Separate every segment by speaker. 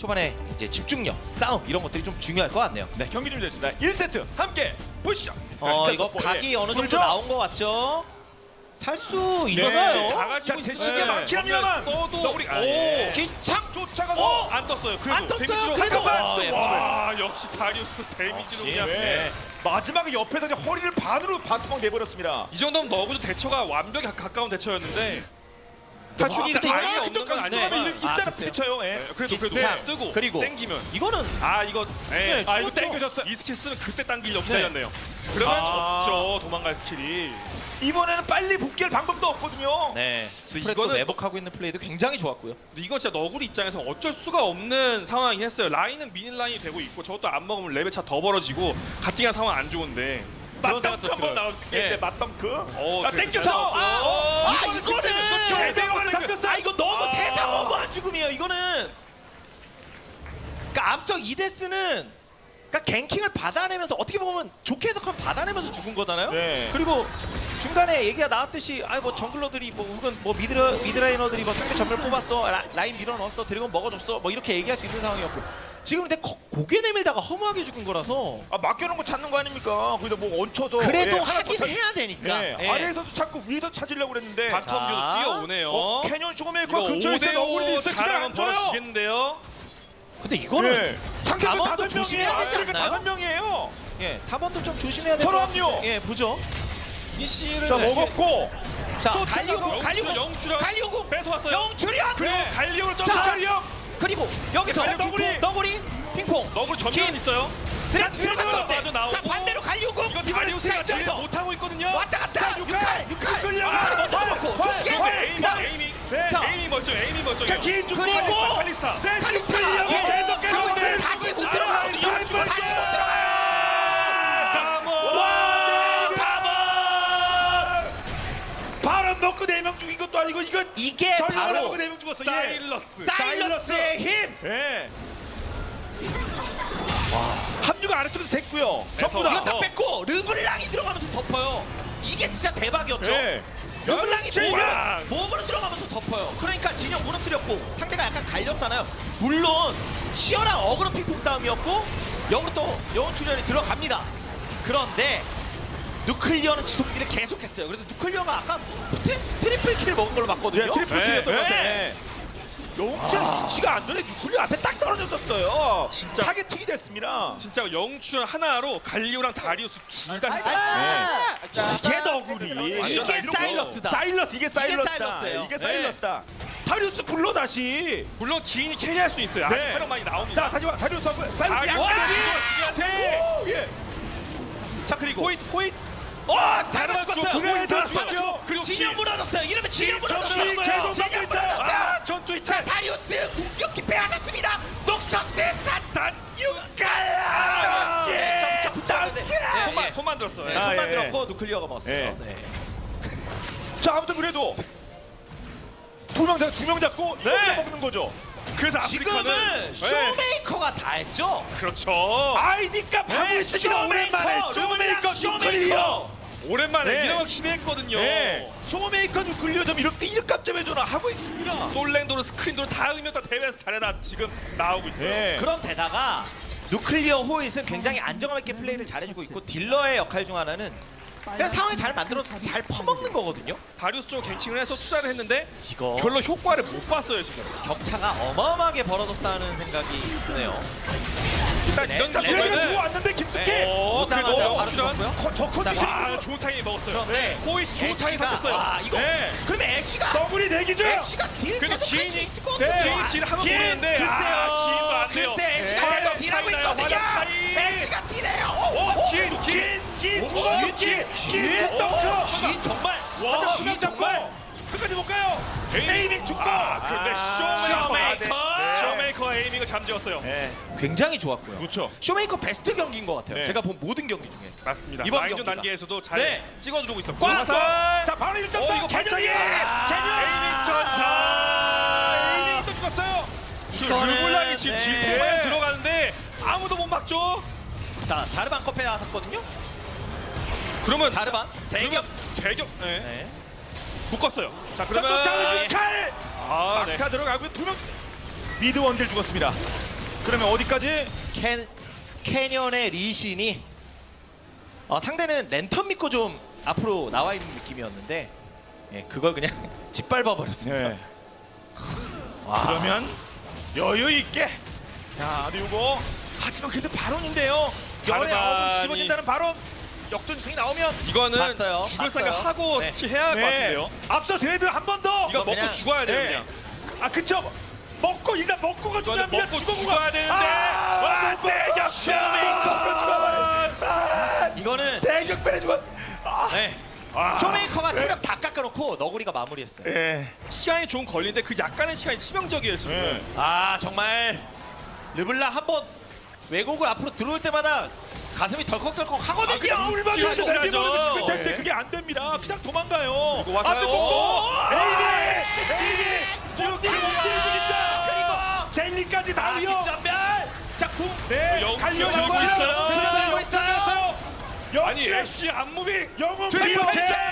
Speaker 1: 초반에 이제 집중력, 싸움 이런 것들이 좀 중요할 것 같네요.
Speaker 2: 네, 경기 준비됐습니다. 1세트 함께 보시죠.
Speaker 1: 이거 각이 어느 정도 나온 것 같죠? 살 수
Speaker 2: 네,
Speaker 1: 있어요.
Speaker 2: 다 가지고 대시기에 막히합니다만 써도 우리
Speaker 1: 기창
Speaker 2: 쫓아가서 안 떴어요. 그래도
Speaker 1: 안 떴어요.
Speaker 2: 데미지로
Speaker 1: 그래도.
Speaker 2: 가까웠어요.
Speaker 1: 예,
Speaker 2: 와, 역시 다리우스 데미지로 그냥 마지막에 옆에서 이제 허리를 반으로 반투막 내버렸습니다. 이 정도면 너구도 대처가 완벽히 가까운 대처였는데 탈출이
Speaker 1: 근데
Speaker 2: 아예
Speaker 1: 이거
Speaker 2: 없는 건 아니지만 일단은 부딪혀요. 예. 그래도
Speaker 1: 기창.
Speaker 2: 뜨고
Speaker 1: 그리고
Speaker 2: 땡기면
Speaker 1: 이거는
Speaker 2: 이거
Speaker 1: 네,
Speaker 2: 이거
Speaker 1: 죽었죠.
Speaker 2: 땡겨졌어요. 이 스킬 쓰면 그때 당기려고
Speaker 1: 네.
Speaker 2: 기다렸네요. 그러면 없죠. 도망갈 스킬이. 이번에는 빨리 복귀할 방법도 없거든요.
Speaker 1: 네. 스프레드
Speaker 2: 이거는
Speaker 1: 매복하고 있는 플레이도 굉장히 좋았고요.
Speaker 2: 근데 이건 진짜 너구리 입장에서 어쩔 수가 없는 상황이긴 했어요. 라인은 미닌 라인이 되고 있고 저것도 안 먹으면 레벨 차 더 벌어지고 가팅한 상황 안 좋은데 맞덩크 한번 나왔는데 맞덩크 땡겨서
Speaker 1: 이거는
Speaker 2: 제대로 하는 잡혔어.
Speaker 1: 이거 너무 대상어구한 죽음이에요. 이거는 그러니까 앞서 이데스는 그러니까 갱킹을 받아내면서 어떻게 보면 좋게 해석하면 받아내면서 죽은 거잖아요.
Speaker 2: 네.
Speaker 1: 그리고 중간에 얘기가 나왔듯이 뭐 정글러들이 뭐 혹은 뭐 미드라이너들이 뭐 상대 전멸 뽑았어, 라인 밀어 넣었어, 드래곤 먹어줬어, 뭐 이렇게 얘기할 수 있는 상황이었고 지금 근데 고개 내밀다가 허무하게 죽은 거라서
Speaker 2: 맡겨놓은 거 찾는 거 아닙니까? 거기다 뭐 얹혀서
Speaker 1: 그래도 하긴 해야 되니까. 예.
Speaker 2: 아래에서도 자꾸 위에서 찾으려고 그랬는데
Speaker 1: 바텀
Speaker 2: 뛰어오네요. 캐년 슈거메이커 근처에서 너구리 있어. 잘하면 벌어지겠는데요.
Speaker 1: 근데 이거는
Speaker 2: 상대편
Speaker 1: 담원도
Speaker 2: 5명이에요.
Speaker 1: 조심해야 되지 않나요?
Speaker 2: 5명이에요.
Speaker 1: 예, 탑원도 좀 조심해야 될 것
Speaker 2: 서로
Speaker 1: 같아요.
Speaker 2: 합류.
Speaker 1: 예, 보죠. 이씨를
Speaker 2: 자 먹었고
Speaker 1: 자,
Speaker 2: 또
Speaker 1: 갈리오공,
Speaker 2: 영출연
Speaker 1: 갈리오공,
Speaker 2: 뺏어왔어요.
Speaker 1: 영출연.
Speaker 2: 그리고 갈리오를
Speaker 1: 자,
Speaker 2: 쫓아가려.
Speaker 1: 그리고 여기서
Speaker 2: 갈리오
Speaker 1: 너구리, 핑퐁,
Speaker 2: 너구리 전면
Speaker 1: 긴.
Speaker 2: 있어요.
Speaker 1: 들어갔었는데.
Speaker 2: 마저 나오고.
Speaker 1: 자, 반대로 갈리오공.
Speaker 2: 이거 다리우스가 제일
Speaker 1: 못
Speaker 2: 못하고 있거든요.
Speaker 1: 왔다 갔다. 육칼.
Speaker 2: 끌려가.
Speaker 1: 먹고 조식에.
Speaker 2: 에이밍 멋져. 에이밍 멋져.
Speaker 1: 그리고
Speaker 2: 칼리스타.
Speaker 1: 칼리스타. 예. 다시 못 들어가거든요. 다시 못 들어가요.
Speaker 2: 바람 먹고 4명 죽인 것도 아니고
Speaker 1: 이게 바로
Speaker 2: 4명 죽었어.
Speaker 1: 사일러스의 힘.
Speaker 2: 예. 합류가 아래쪽에서 됐고요. 전부 다.
Speaker 1: 이거 다 뺐고 르블랑이 들어가면서 덮어요. 이게 진짜 대박이었죠.
Speaker 2: 예.
Speaker 1: 르블랑이
Speaker 2: 진영!
Speaker 1: 몸으로 들어가면서 덮어요. 그러니까 진영 무너뜨렸고 상대가 약간 갈렸잖아요. 물론 치열한 어그로 핑퐁 싸움이었고 역으로 또 영혼 출연이 들어갑니다. 그런데 누클리어는 지속기를 계속했어요. 그래도 누클리어가 아까 트리플 킬 먹은 걸로 봤거든요.
Speaker 2: 예, 트리플 킬이었던 것 같아.
Speaker 1: 영웅철 위치가 안 좋네. 누클리어 앞에 딱 떨어졌었어요.
Speaker 2: 진짜
Speaker 1: 타겟팅이 됐습니다.
Speaker 2: 진짜 영출연 하나로 갈리오랑 다리우스 둘 다
Speaker 1: 이게 너구리. 이게 사일러스다.
Speaker 2: 사일러스 이게 사일러스다.
Speaker 1: 사일러스예요.
Speaker 2: 이게 사일러스다. 다리우스 불러 다시. 물론 기인이 캐리할 수 있어요. 아직 활용 많이 나옵니다. 자 다시 봐. 다리우스 한번 사일러스.
Speaker 1: 자 그리고
Speaker 2: 호잇.
Speaker 1: 잘만
Speaker 2: 그래,
Speaker 1: 죽었어요.
Speaker 2: 그리고
Speaker 1: 진영 무너졌어요. 이러면 진영 무너졌어요.
Speaker 2: 계속
Speaker 1: 진영
Speaker 2: 막고
Speaker 1: 무너졌어요.
Speaker 2: 전투
Speaker 1: 자
Speaker 2: 있다.
Speaker 1: 다리우스 공격기 빼앗았습니다. 녹셔스
Speaker 2: 단 육갈. 손만 들었어.
Speaker 1: 손만 들었고 누클리어가 먹었어요.
Speaker 2: 예.
Speaker 1: 네.
Speaker 2: 자 아무튼 그래도 두 명 잡고 이렇게 먹는 거죠. 그래서
Speaker 1: 지금은 쇼메이커가 다 했죠.
Speaker 2: 그렇죠. 아이디값 하고 있습니다. 오랜만에 쇼메이커 누클리어. 오랜만에 이런 시도했거든요. 쇼메이커 누클리어 좀 이렇게 일값 좀 해줘라 하고 있습니다. 솔랭도르 스크린도르 다 의미 다 대회에서 잘해라 지금 나오고 있어요.
Speaker 1: 그런데다가 누클리어 호잇은 굉장히 안정감 있게 플레이를 잘해주고 있고 딜러의 역할 중 하나는 그냥 상황이 잘 만들어서 잘 퍼먹는 거거든요.
Speaker 2: 다리우스 쪽 갱칭을 해서 투자를 했는데
Speaker 1: 이거
Speaker 2: 별로 효과를 못 봤어요 지금.
Speaker 1: 격차가 어마어마하게 벌어졌다는 생각이 드네요.
Speaker 2: 일단 이런
Speaker 1: 레벨은
Speaker 2: 들어왔는데 김특기.
Speaker 1: 오자마자 바로 죽었고요.
Speaker 2: 저 컨디션
Speaker 1: 자,
Speaker 2: 좋은 타이밍 먹었어요.
Speaker 1: 그런데
Speaker 2: 호이스 좋은 타이밍 잡았어요.
Speaker 1: 이거 그러면 애쉬가
Speaker 2: 너구리 내기죠.
Speaker 1: 애쉬가 딜
Speaker 2: 그래도
Speaker 1: 계속 할수
Speaker 2: 기인이
Speaker 1: 있을 것 같은데.
Speaker 2: 기인 딜 하면 모르는데
Speaker 1: 글쎄요.
Speaker 2: 기인도 안 돼요.
Speaker 1: 글쎄 애쉬가 계속 딜하고 있거든요. 애쉬가 딜해요. 기인 정말
Speaker 2: 와,
Speaker 1: 기인 정말
Speaker 2: 끝까지 못 가요. 에이밍 죽고. 근데 쇼메이커 에이밍을 잠재웠어요.
Speaker 1: 굉장히 좋았고요.
Speaker 2: 그렇죠.
Speaker 1: 쇼메이커 베스트 경기인 것 같아요.
Speaker 2: 네.
Speaker 1: 제가 본 모든 경기 중에.
Speaker 2: 맞습니다.
Speaker 1: 이번
Speaker 2: 라인전
Speaker 1: 경기가.
Speaker 2: 단계에서도 잘
Speaker 1: 네.
Speaker 2: 찍어주고 있었고.
Speaker 1: 꽉!
Speaker 2: 자, 바로 1점.
Speaker 1: 이거 반짝이!
Speaker 2: 에이밍 전사. 에이밍이 또 죽었어요.
Speaker 1: 이거는,
Speaker 2: 르블랑이 지금
Speaker 1: 네.
Speaker 2: 딜테마에 들어가는데 아무도 못 막죠.
Speaker 1: 자 자르반 컵에 나섰거든요.
Speaker 2: 그러면
Speaker 1: 자르반 대격.
Speaker 2: 네. 묶었어요. 자,
Speaker 1: 그러면
Speaker 2: 칼. 네. 막타 들어가고 2명 미드 원딜 죽었습니다. 그러면 어디까지?
Speaker 1: 캐년의 리신이 상대는 랜턴 믿고 좀 앞으로 나와 있는 느낌이었는데 예, 그걸 그냥 짓밟아 버렸습니다.
Speaker 2: 네. 그러면 여유 있게. 자, 그리고 하지만 그래도 발언인데요. 열의
Speaker 3: 자르반이-
Speaker 2: 아홉은 집어진다는 발언. 역전승이 나오면
Speaker 3: 이거는
Speaker 1: 봤어요.
Speaker 3: 죽을
Speaker 1: 봤어요.
Speaker 3: 생각 하고
Speaker 1: 네.
Speaker 3: 해야 할 것 같은데요.
Speaker 2: 앞서 드레드 한 번 더.
Speaker 3: 이거 먹고
Speaker 1: 그냥-
Speaker 3: 죽어야 돼요,
Speaker 2: 네.
Speaker 3: 그냥.
Speaker 2: 아, 그쵸. 먹고 일단 먹고가
Speaker 3: 이거는
Speaker 2: 중요합니다.
Speaker 3: 먹고
Speaker 2: 죽어보고.
Speaker 3: 죽어야 되는데.
Speaker 2: 아, 대격변.
Speaker 1: 이거는
Speaker 2: 대격변해 죽었.
Speaker 1: 네.
Speaker 2: 아.
Speaker 1: 쇼메이커가 체력 다 깎아놓고 너구리가 마무리했어요.
Speaker 2: 예.
Speaker 3: 시간이 좀 걸리는데 그 약간의 시간이 치명적이에요, 지금.
Speaker 2: 예.
Speaker 1: 아 정말 르블랑 한번 왜곡을 앞으로 들어올 때마다 가슴이 덜컥덜컥 하거든요.
Speaker 2: 그냥 물만
Speaker 3: 지금
Speaker 2: 줘도
Speaker 3: 죽어야죠.
Speaker 2: 죽을 텐데
Speaker 3: 네.
Speaker 2: 그게 안 됩니다. 그냥 도망가요.
Speaker 3: 그리고 와서요.
Speaker 2: 앞에 먹고. 에이비.
Speaker 1: 그리고
Speaker 2: 젤리까지 다 위어.
Speaker 1: 뒷전멸. 자 궁.
Speaker 2: 네.
Speaker 3: 영-
Speaker 2: 달려오고
Speaker 3: 영웅
Speaker 2: 있어요.
Speaker 3: 있어요.
Speaker 1: 들어가고 있어요.
Speaker 3: 아니,
Speaker 2: 역시
Speaker 3: 애쉬 안무빙.
Speaker 2: 영웅
Speaker 3: 트리플
Speaker 2: 클리어.
Speaker 3: K!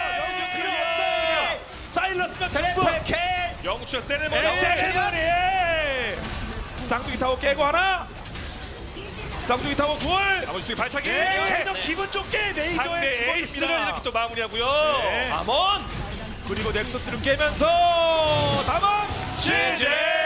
Speaker 2: 사일러스가 승부.
Speaker 1: 트래플 K.
Speaker 3: 영웅추의 세레머니.
Speaker 2: 세레머니. 쌍둥이 타워 깨고 하나. 쌍둥이 타워 둘.
Speaker 3: 나머지 두 개 발차기.
Speaker 2: 계속 기분 좋게 레이저에
Speaker 3: 상대 에이스를
Speaker 2: 집어줍니다.
Speaker 3: 이렇게 또 마무리하고요.
Speaker 2: 네.
Speaker 1: 아몬.
Speaker 2: 그리고 넥서스를 깨면서 담원
Speaker 3: GG!